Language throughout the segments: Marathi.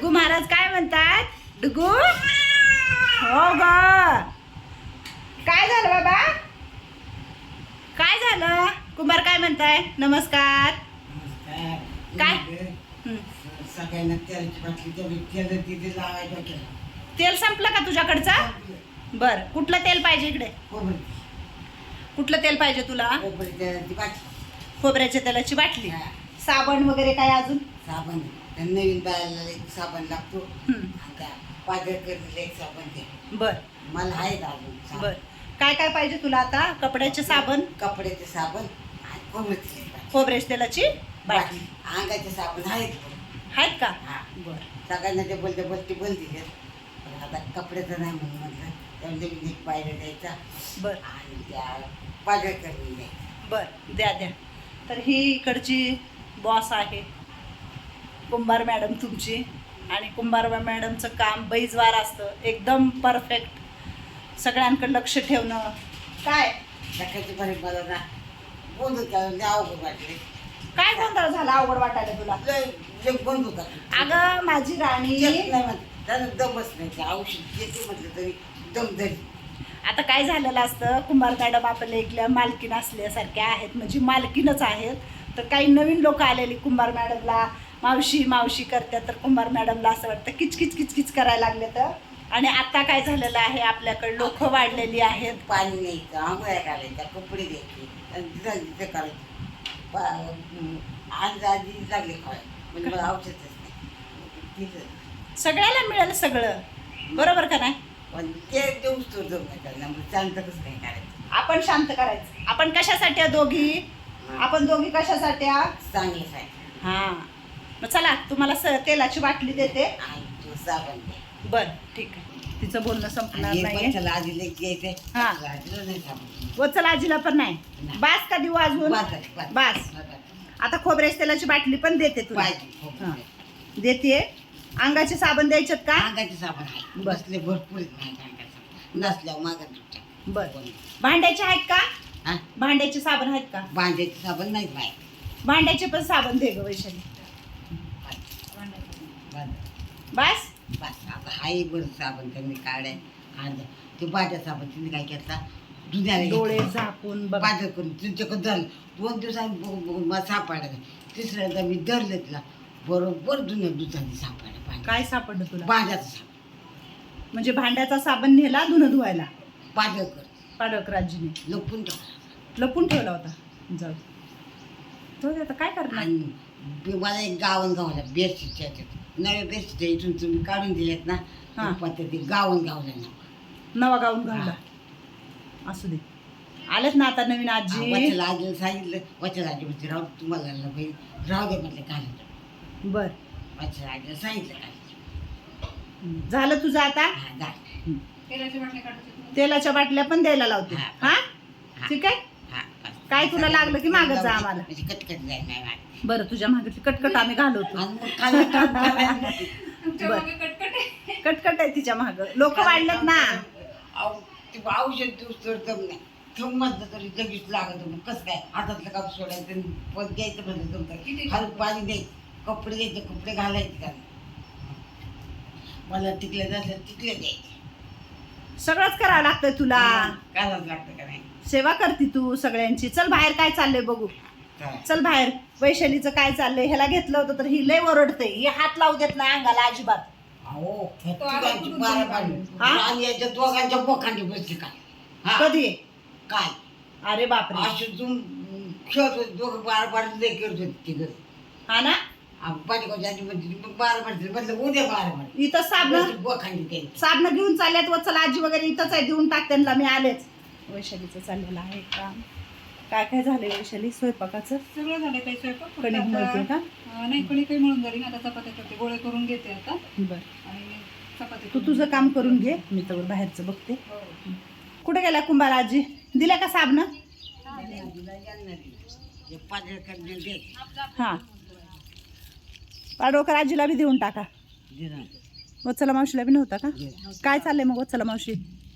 डुगू महाराज काय म्हणतात? डुगू हो ग, काय झालं बाबा? काय झालं? कुंभार काय म्हणताय? नमस्कार. काय? सगळ्यांना तेलाची बाटली तेवढी तेल तिथे लावायचं केलं. तेल संपलं का तुझ्याकडचा? बर, कुठलं तेल पाहिजे इकडे? खोबरी कुठलं तेल पाहिजे तुला? खोबरी तेलाची बाटली, खोबऱ्याच्या तेलाची बाटली, हा. साबण वगैरे काय अजून? साबण, नवीन बाळाला एक साबण लागतो. हम्म. आता पाजळ करलेलं एक साबण ते बर मला आहेत अजून साबण. बर, काय काय पाहिजे तुला आता? कपड्याचे साबण, कपड्याचे साबण आणि खोबऱ्याची बाटली. खोबऱ्याच्या तेलाची बाटली अंगाचे साबण आहेत. आहेत का? हा. बर सगळ्यांना ते बोलते बंद दिले. पण आता कपड्याचं नाही म्हणून म्हटलं त्यामुळे नवीन एक पायऱ्या द्यायचा बर आणि त्या पाजळ करून द्यायचा. बर, द्या द्या. तर ही इकडची बॉस आहे कुंभार मॅडम तुमची, आणि कुंभार मॅडमचं काम बैजवार असतं, एकदम परफेक्ट, सगळ्यांकडे लक्ष ठेवणं. काय सकाळची बरे मला ना बोलू त्या अवघड वाटले. काय गोंधळ झाला? अवघड वाटायला तुला? लय बंद होता. अगं माझी राणी, नाही म्हणत त्यानं दमच नाही. ते औषध घेते म्हटलं तरी दम धरी. आता काय झालेलं असतं, कुंभार मॅडम आपल्या इथल्या मालकीण असल्यासारख्या आहेत, म्हणजे मालकीणच आहेत. तर काही नवीन लोक आलेली कुंभार मॅडमला मावशी मावशी करतात, तर कुंभार मॅडमला असं वाटतं किचकिच किचकिच करायला लागले. तर आणि आता काय झालेलं आहे, आपल्याकडे लोक वाढलेली आहेत. पाणी न्यायचं, आंघोळ्या घालायच्या, कपडे द्यायचे आणि तिथं करायचं. आज आधी लागले खाय म्हणजे मला औषधच नाही तिथं. सगळ्याला मिळेल सगळं, बरोबर का नाही? पण ते देऊच तो दम नाही करायला. मग शांत कसं काय करायचं? आपण शांत करायचं. आपण कशासाठी आहे दोघी? आपण दोघी कशासाठी आहे? चांगलं आहे. हां, मग चला तुम्हाला तेलाची बाटली देते. आणि तू साबण दे. बर ठीक आहे, तिचं बोलणं संपणार आणि नाहीये. बच्चाला आधी लेक द्यायचंय. हा. आजीला नाही साबण. वचल आजीला पण नाही. नाही. बास का देऊ अजून? बास. आता खोबऱ्याच्या तेलाची बाटली पण देते तुला. पाहिजे हां, देते. अंगाचे साबण द्यायचेत का? अंगाचे साबण आहे. बर. बसले भरपूर आहेत माझ्या अंगाचे साबण. नसल्यावर मागं तुमच्या. बर, भांड्याचे आहेत का? हा? भांड्याचे साबण आहेत का? भांड्याचे साबण नाहीत माहीत. भांड्याचे पण साबण दे ग वैशाली. बास. बस आता हाही बरं साबण त्यांनी काढाय. आणि ते बाजा साबण त्यांनी काय केला दुधाला डोळे झाकून बघ. बाजा करून तुमच्याकडे धरलं. 2 दिवसांनी बघून मला सापडला नाही. तिसऱ्यांदा मी धरलं तिला बरोबर दुधाने सापडलं पाणी. काय सापडलं तुला? बाजाचं साबण म्हणजे भांड्याचा साबण नेला धुणं धुवायला बाजा कर पाडकराजीने लपून ठेवला. लपून ठेवला होता. जाऊ दे. जाऊ दे, आता काय करणार? आणि मला एक गावन गावला बेडशीटच्या ह्याच्यात नव्या बेडशीट इथून तुम्ही काढून दिलेत ना हा. पद्धती गावन गावलं ना. नवा गाऊन घालला. असू दे, आलेत ना आता नवीन आजी. वचला आजीला सांगितलं. वचला आजी म्हणजे राहू तुम्हाला राहू दे म्हटलं घालत. बर, वचला आजीला सांगितलं घालायचं. झालं तुझं आता? हा घाल. तेलाच्या बाटल्या पण द्यायला लावते. हा. हा हा. ठीक आहे. हा, बस. काय तुला लागलं की मागत जा आम्हाला. म्हणजे कटकट जाईल नाही मागे. बरं, तुझ्या मागे कटकट आम्ही घालवतो. आणि मग खाली काम करायला. बरं, कटकट आहे तिच्या माग. लोक वाढलेत ना. ते औषध दिवस तर दम नाही. ठेवून म्हटलं तरी लगेच लागत. मग कसं काय हातातलं काम सोडायचं आणि पण द्यायचं म्हणलं तुमचं खाली पाणी द्यायचं, कपडे द्यायचे, कपडे घालायचे का मला टिकले नसले टिकले द्यायचे. सगळंच करावं लागतंय तुला. करावंच लागतं का नाही? सेवा करते तू सगळ्यांची. चल बाहेर काय चाललंय बघू. चल बाहेर. वैशालीचं काय चाललंय? ह्याला घेतलं होतं तर ही लय ओरडते. ही हात लावू देत नाही अंगाला अजिबात. अहो तिघांची बारा पाणी हा? आणि याच्या दोघांच्या बोखांडी बसली काय. हा कधी? काय अरे बापरे. अशी तुम खेळत होते दोघं बारा लय करत होते तिघं. हा ना. पाठीकोच्या म्हणजे बारा म्हटलं उद्या बारा म्हटलं इथं साबण बोखांडी त्यांची. साबण घेऊन चालल्यात. व चला आजी वगैरे इथंच आहे, देऊन टाक त्यांना. मी आलेच. वैशालीचं चाललेलं आहे काम. काय काय झालंय वैशाली? स्वयंपाकाचं सगळं झालं. काही स्वयंपाक फक्त कणिक मळते का? नाही, कणिक काही म्हणून झाली. आता चपात्या करते, गोळे करून घेते आता. बर, आणि चपात्या तू तुझं काम करून घे, मी तर बाहेरचं बघते. हो. कुठे गेला कुंभार आजी? दिल्या का साबण? हा, पाडोकर आजीला बी देऊन टाका. वत्सला मावशीला बी नव्हता का? काय चाललंय मग वत्सला मावशी?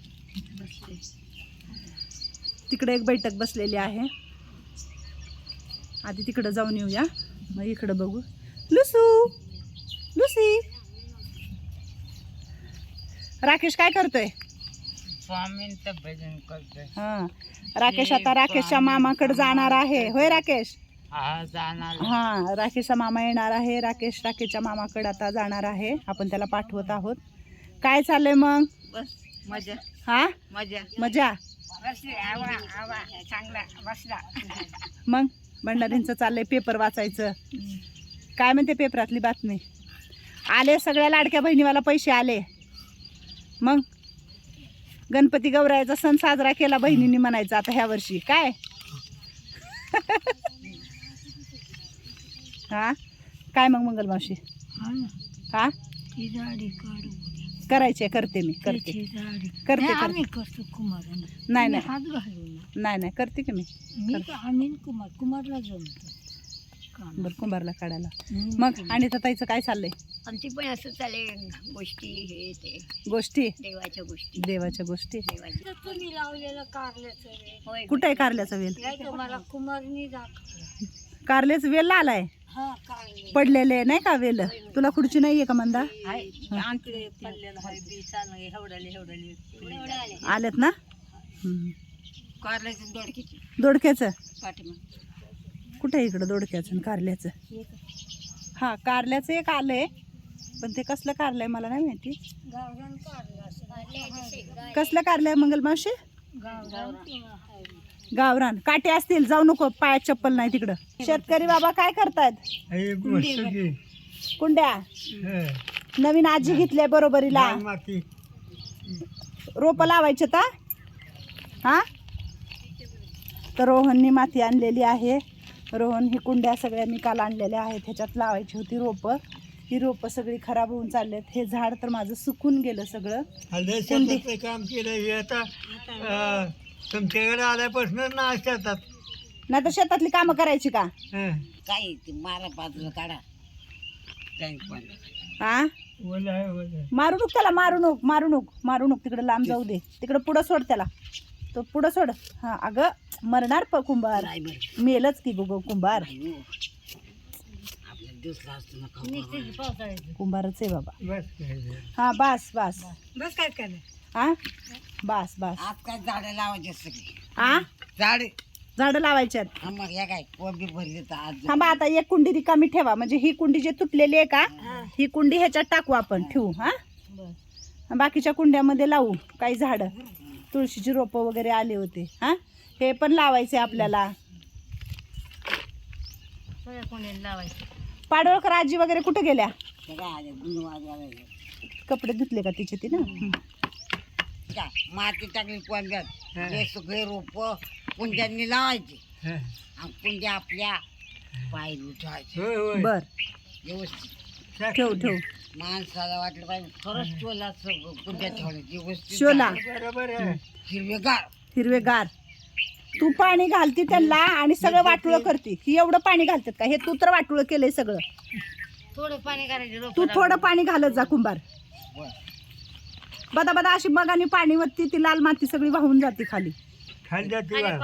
तिकडे एक बैठक बसलेली आहे. आधी तिकडं जाऊन येऊया, मग इकडं बघू. लुसू, लुसी, राकेश काय करतोय? स्वामींचं भजन करतोय. हा राकेश आता राकेशच्या मामाकडे जाणार आहे. होय राकेश? हा जाणार. हा राकेशचा मामा येणार आहे. राकेश राकेशच्या मामाकडे आता जाणार आहे. आपण त्याला पाठवत आहोत. काय चाललंय मग? बस मजा हा मजा मजा. चांगला बसला. मग भंडारींचं चाललंय पेपर वाचायचं. काय म्हणते पेपरातली बातमी? आले सगळ्या लाडक्या बहिणीवाला पैसे आले. मग गणपती गौरायाचा सण साजरा केला बहिणींनी म्हणायचा आता ह्या वर्षी. काय हा काय मग मंगल मावशी? हा करायचे करते मी करते करते आम्ही करते. करतो कुमार नाही नाही हात घालू नाही नाही करते की मी. मी तर आम्ही कुमारला जमतो बरं कुंभारला काढायला. मग आणि ताईचं काय चाललंय? आणि ती पण असं चाले गोष्टी हे ते गोष्टी देवाच्या गोष्टी देवाच्या गोष्टी. तुम्ही लावलेलं कारल्याचं वेल कुठे आहे कारल्याचा वेल? तुम्हाला कुमारनी दाखवलं. कारल्याच वेल आलाय हा कारले पडलेले नाही का वेल? तुला खुर्ची नाहीये का मंदा? आणखी पडलेलं आहे बी चालू हेवडाले आलेत ना. कारल्याचं दोडकीची दोडक्याचं पाठीमा कुठे आहे इकडं? दोडक्याचं आणि कारल्याचं. हा कारल्याचं एक आलंय पण ते कसलं कारलंय मला नाही माहिती. गावरान कारलं कसलं कारलंय मंगल मावशी? गावरान गावरान. काटे असतील जाऊ नको पायात चप्पल नाही तिकडं. शेतकरी बाबा काय करतायत? कुंड्या नवीन आजी घेतल्या बरोबरीला. रोप लावायचे तर हा तर रोहननी माती आणलेली आहे. रोहन ही कुंड्या सगळ्या मी काल आणलेल्या आहेत. ह्याच्यात लावायची होती रोपं. ही रोपं सगळी खराब होऊन चाललेत. हे झाड तर माझं सुकून गेलं सगळं. शेतातलं काम केलं हे आता तुमच्याकडे आल्यापासून ना शेतात नाही तर शेतातली कामं करायची का? काय ते मारा बाजूला काढा. काही पण हा ओलं आहे ओलं आहे. मारू नको त्याला. मारू नको तिकडे लांब जाऊ दे. तिकडे पुढं सोड त्याला. तो पुढं सोड. हा अगं मरणार कुंभार. नाही बरं. मेलच की गो कुंभार. नाही हो. आपल्याला दिसला असतो ना खाऊ. कुंभारच आहे बाबा. बस काय झालं. हा बस बस बस काय केलं हा बस बस. आज काय झाडं लावायचे सगळी हा झाडे. झाडं लावायच्यात. हा मग या काय कोबी भरली तर आज थांबा आता एक कुंडी रिकामी ठेवा. म्हणजे ही कुंडी जी तुटलेली आहे का ही कुंडी ह्याच्यात टाकू आपण ठेवू. हा बाकीच्या कुंड्यामध्ये लावू काही झाडं. तुळशीची रोपं वगैरे आले होते. हा हे पण लावायचे आपल्याला. पाडोळकर आजी वगैरे कुठे गेल्या? सगळं आले गुणवाद कपडे धुतले का तिचे ती ना? का माती टाकली कोंब्यात. हे सगळे रोप कुंड्यांनी लावायचे हं. आणि कुंड्या आपल्या पाय उठवायचे होय होय बर व्यवस्थित. ठेव माणसाला वाटलं पाहिजे खरंच शोला कुंड्या ठेवायची व्यवस्थित. शोला बरोबर आहे. हिरवेगार. हिरवेगार. तू पाणी घालती त्यांना आणि सगळं वाटुळं करते. ही एवढं पाणी घालतात का? हे तू तर वाटुळं केलंय सगळं. थोडं पाणी करायचं तू थोडं पाणी घालत जा कुंभार. बदा बदा अशी मगानी पाणी वरती ती लाल माती सगळी वाहून जाते खाली. खाली जाते बा.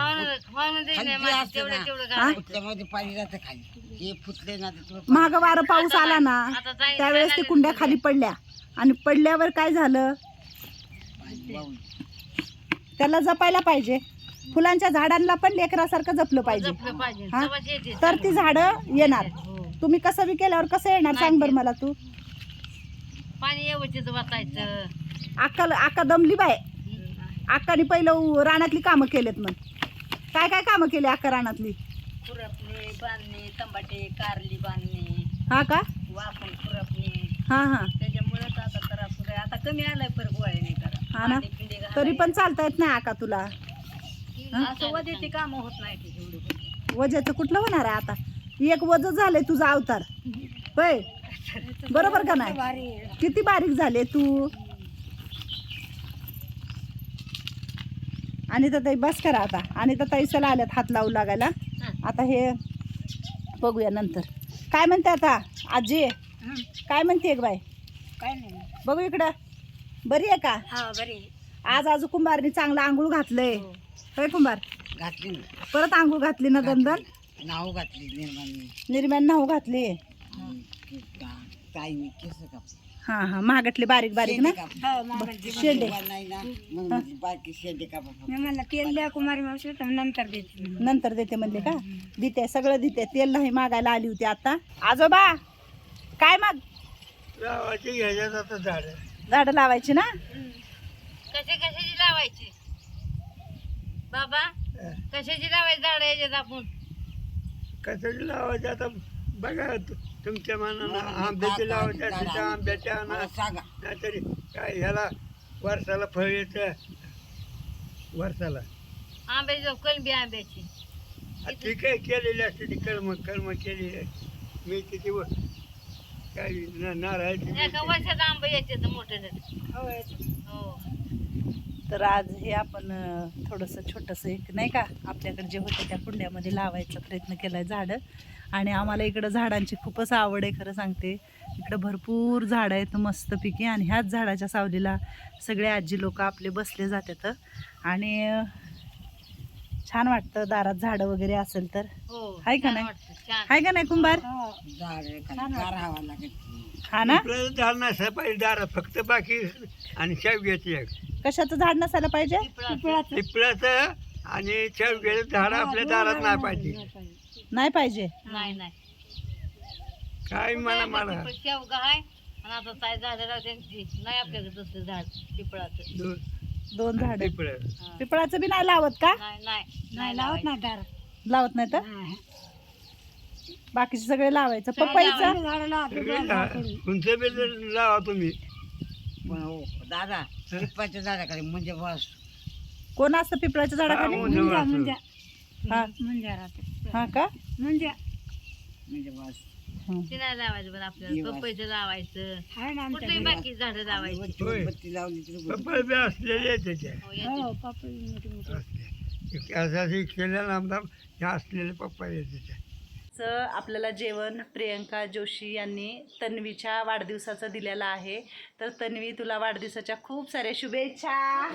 हा त्यामध्ये पाणी जातं खाली. हे फुटले ना तर तुला महाग वारं पाऊस आला ना त्यावेळेस ते कुंड्या खाली पडल्या आणि पडल्यावर काय झालं? पाणी वाहून. त्याला जपायला पाहिजे. फुलांच्या झाडांना पण लेकरासारखं जपलं पाहिजे. हा तर ती झाडं येणार. तुम्ही कसं बी केल्यावर कसं येणार सांग बरं मला तू. पाणी व्यवस्थित वाचायचं. आका दमली बाय. आकाने पहिलं रानातली कामं केलेत. मग काय काय कामं केली आका रानातली? खुरपणे बांधणे टमाटे कारली बांधणे हा का? वाफण खुरपणे. हा हा त्याच्यामुळेच आता त्रास होतोय. आता कमी आलाय परत गोळ्याने करा. हा ना. तरी पण चालता येत नाही आका तुला. असं वजेची कामं होत नाही ती एवढी. वजाचं कुठलं होणार आहे आता? एक वज झालंय तुझा अवतार. होय बरोबर का नाही? किती बारीक झाले तू. आणि तर ताई बस करा आता. आणि तर ताई चला आल्यात हात लावू लागायला. आता हे बघूया नंतर. काय म्हणते आता आजी? काय म्हणते एक बाय? काय नाही बघू इकडं. बरी आहे का? हा बरे. आज आजू कुंभारनी चांगलं आंघोळ घातलंय. होय कुंभार? घातली ना. परत आंघोळ घातली ना दंदन. नाव घातली निर्माण. निर्म्यान नाव घातली. ताईने केस काप हां हां महागातले बारीक बारीक ना शेंडे नाही ना मग म्हटलं बाकी शेंडे कापा फक्त. मला तेल द्या कुमारी मावशी तर नंतर देते नंतर देते म्हणले का देते सगळं देते तेल नाही मागायला आली होती आता आजोबा काय मग लावायची घ्यायच्यात आता झाडं. झाडं लावायची ना कशाची लावायची बाबा कशाची लावायची झाड याच्यात आपण कशाची लावायची आता बघा तुमच्या मनानं आंब्याची लावायची असली तर आंब्याच्या मला आणा सांगा नाहीतरी काय ह्याला वर्षाला फळ येतं वर्षाला आंब्याची कलबी आंब्याची ती काय केलेली असते ती कलम केलेली असते मी तिथे काय नारळाची एका वर्षात आंबे याचे मोठे हो तर आज हे आपण थोडंसं छोटंसं एक नाही का आपल्याकडे जे होतं त्या कुंड्यामध्ये लावायचा प्रयत्न केला आहे झाडं आणि आम्हाला इकडं झाडांची खूपच आवड आहे खरं सांगते इकडं भरपूर झाडं आहेत मस्तपैकी आणि ह्याच झाडाच्या सावलीला सगळे आजी लोक आपले बसले जातात आणि छान वाटतं दारात झाडं वगैरे असेल तर हो आहे का छान नाही वाटतं, छान आहे का नाही कुंभार झाड गार हवा लागत हा ना आपल्याला झाड नसायला पाहिजे दारात फक्त बाकी आणि शेवग्याची एक कशाचं झाड नसायला पाहिजे पिपळाचं आणि शेवग्याचं झाड आपल्या दारात नाही पाहिजे नाही पाहिजे नाही नाही काय मला पिपळ शेवगा आहे आणि आता काय झाड त्यांची नाही आपल्याकडे तसलं झाड पिपळाचं दोन झाड पिपळ पिपळाचं बी नाही लावत का नाही नाही नाही लावत नाही दार लावत नाही तर बाकीचे सगळे लावायचं पपईचं उंच बिल लावा तुम्ही पण हो दादा पिंपळाच्या झाडाकडे म्हणजे बस कोण असतं पिपळाच्या झाडाखाली म्हणजे हा हा का म्हणजे बस ते नाही लावायचं पण आपल्याला पपईचं लावायचं आहे ना कुठली बाकी झाडं लावायची होय. बत्ती लावली तरी बस. पपळ बी असलेले आहे त्याच्या हो, याची. असले केलेला आमदार हे असलेले पप्पा आहे त्याच्या आपल्याला जेवण प्रियंका जोशी यांनी तन्वीच्या वाढदिवसाचं दिलेलं आहे तर तन्वी तुला वाढदिवसाच्या खूप साऱ्या शुभेच्छा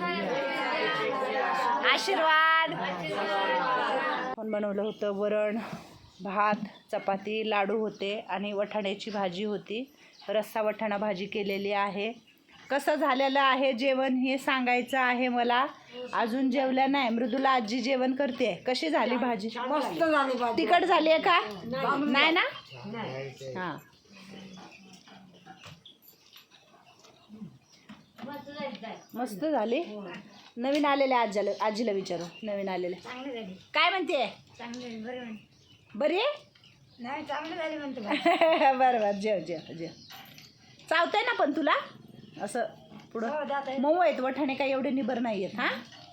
आशीर्वाद आपण बनवलं होतं वरण भात चपाती लाडू होते आणि वटाण्याची भाजी होती रस्सा वटाणा भाजी केलेली आहे कसं झालेलं आहे जेवण हे सांगायचं आहे मला अजून जेवल्या नाही मृदुला आजी जेवण करते कशी झाली भाजी मस्त झाली बाबा. तिखट झाली आहे का नाही ना हां मस्त झाली नवीन आलेले आजीला विचारू नवीन आलेले काय म्हणते बरी आहे नाही चांगलं झाले म्हणतो बरं बरं जेव चावतंय ना पण तुला असं पुढं मऊ आहेत वठाणे काही एवढे निबर नाही आहेत हां